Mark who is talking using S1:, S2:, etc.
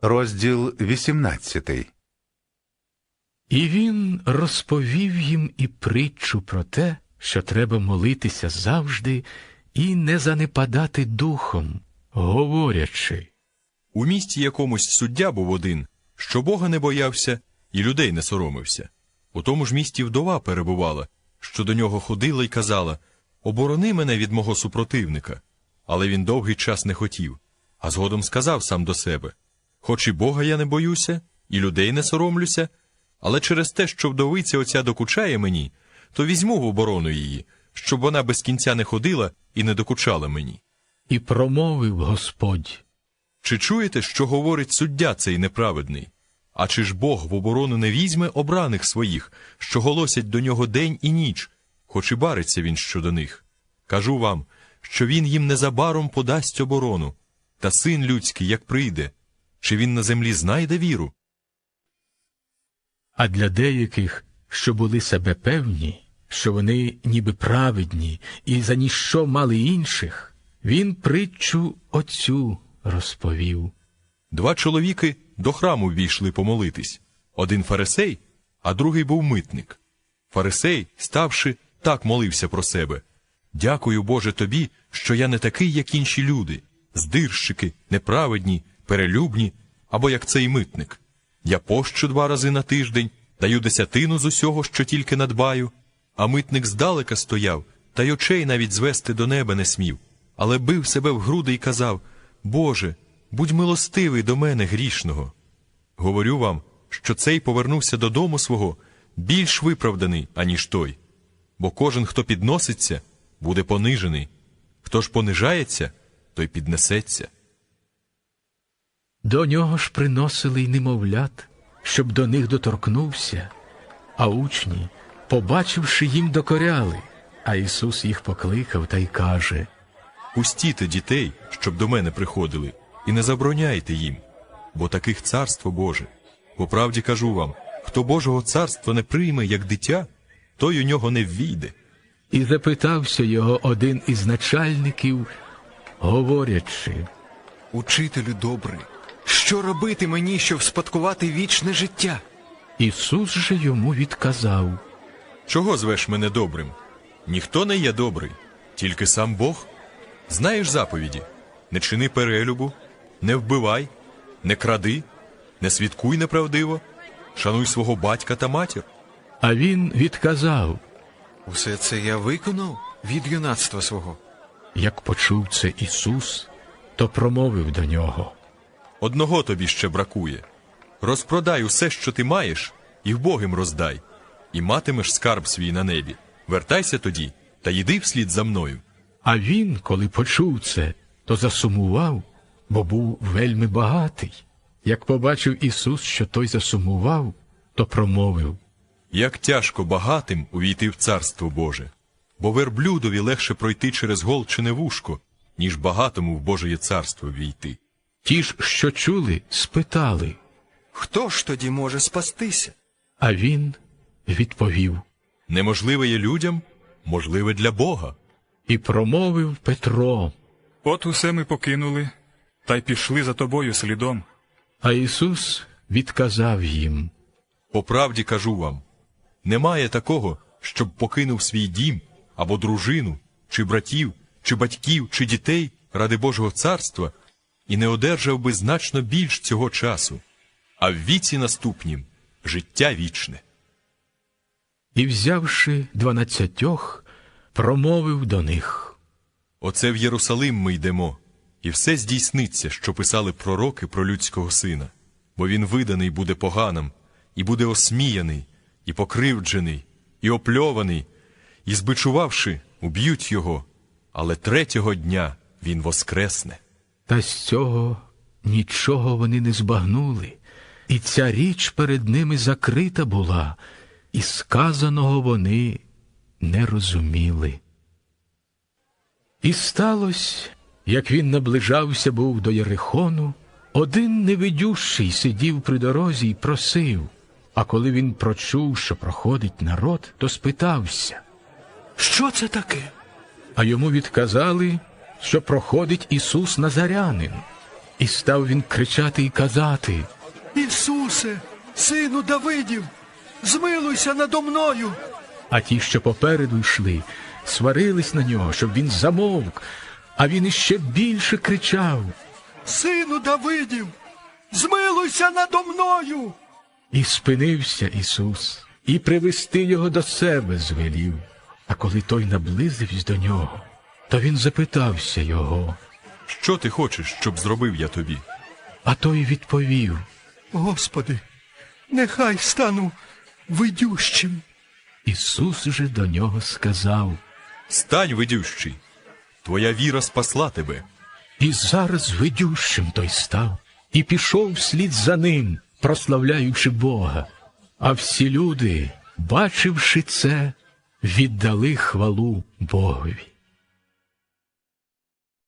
S1: Розділ 18.
S2: І він розповів їм і притчу про те, що треба молитися завжди і не занепадати духом, говорячи.
S3: У місті якомусь суддя був один, що Бога не боявся і людей не соромився. У тому ж місті вдова перебувала, що до нього ходила й казала: «Оборони мене від мого супротивника». Але він довгий час не хотів, а згодом сказав сам до себе: «Хоч і Бога я не боюся, і людей не соромлюся, але через те, що вдовиця оця докучає мені, то візьму в оборону її, щоб вона без кінця не ходила і не докучала мені».
S2: І промовив Господь:
S3: «Чи чуєте, що говорить суддя цей неправедний? А чи ж Бог в оборону не візьме обраних своїх, що голосять до нього день і ніч, хоч і бариться він щодо них? Кажу вам, що він їм незабаром подасть оборону. Та син людський, як прийде, чи він на землі знайде віру?»
S2: А для деяких, що були себе певні, що вони ніби праведні і за ніщо мали інших, він притчу оцю розповів.
S3: 2 чоловіки до храму ввійшли помолитись. Один фарисей, а другий був митник. Фарисей, ставши, так молився про себе: «Дякую, Боже, тобі, що я не такий, як інші люди, здирщики, неправедні, перелюбні, або як цей митник. Я пощу 2 рази на тиждень, даю 10 з усього, що тільки надбаю». А митник здалека стояв, та й очей навіть звести до неба не смів, але бив себе в груди й казав: «Боже, будь милостивий до мене, грішного». Говорю вам, що цей повернувся додому свого більш виправданий, аніж той. Бо кожен, хто підноситься, буде понижений. Хто ж понижається, той піднесеться.
S2: До нього ж приносили й немовлят, щоб до них доторкнувся. А учні, побачивши, їм докоряли. А Ісус їх покликав та й каже:
S3: «Пустіте дітей, щоб до мене приходили, і не забороняйте їм, бо таких царство Боже. По правді кажу вам, хто Божого царства не прийме, як дитя, той у нього не ввійде».
S2: І запитався його один із начальників, говорячи:
S4: «Учителю добрий, що робити мені, щоб спадкувати вічне життя?»
S2: Ісус же йому відказав:
S3: «Чого звеш мене добрим? Ніхто не є добрий, тільки сам Бог. Знаєш заповіді: не чини перелюбу, не вбивай, не кради, не свідкуй неправдиво, шануй свого батька та матір».
S2: А він відказав.
S4: «Усе це я виконав від юнацтва свого».
S2: Як почув це Ісус, то промовив до нього:
S3: «Одного тобі ще бракує. Розпродай усе, що ти маєш, і вбогим роздай, і матимеш скарб свій на небі. Вертайся тоді та йди вслід за мною».
S2: А він, коли почув це, то засумував, бо був вельми багатий. Як побачив Ісус, що той засумував, то промовив:
S3: «Як тяжко багатим увійти в Царство Боже, бо верблюдові легше пройти через голчине вушко, ніж багатому в Божеє царство ввійти».
S2: Ті ж, що чули, спитали.
S4: «Хто ж тоді може спастися?»
S2: А він відповів:
S3: «Неможливе є людям, можливе для Бога».
S2: І промовив Петро.
S5: «От усе ми покинули, та й пішли за тобою слідом».
S2: А Ісус відказав їм:
S3: «По правді кажу вам, немає такого, щоб покинув свій дім, або дружину, чи братів, чи батьків, чи дітей ради Божого царства, і не одержав би значно більш цього часу, а в віці наступнім життя вічне».
S2: І, взявши 12, промовив до них:
S3: «Оце в Єрусалим ми йдемо, і все здійсниться, що писали пророки про людського сина. Бо він виданий буде поганам, і буде осміяний, і покривджений, і опльований, і, збичувавши, уб'ють його, але 3-го дня він воскресне».
S2: Та з цього нічого вони не збагнули, і ця річ перед ними закрита була, і сказаного вони не розуміли. І сталося, як він наближався був до Єрихону, один невидющий сидів при дорозі й просив, а коли він прочув, що проходить народ, то спитався:
S4: «Що це таке?»
S2: А йому відказали, що проходить Ісус Назарянин. І став він кричати і казати:
S6: Ісусе, сину Давидів, змилуйся надо мною.
S2: а ті, що попереду йшли, сварились на нього, щоб він замовк, а він іще більше кричав.
S6: Сину Давидів, змилуйся надо мною.
S2: І спинився Ісус, і привести його до себе звелів. А коли той наблизився до нього, то він запитався його.
S3: Що ти хочеш, щоб зробив я тобі?
S2: А той відповів:
S6: Господи, нехай стану видющим.
S2: Ісус же до нього сказав:
S3: Стань, видющий, твоя віра спасла тебе.
S2: і зараз видющим той став, і пішов вслід за ним, прославляючи Бога. А всі люди, бачивши це, віддали хвалу Богові.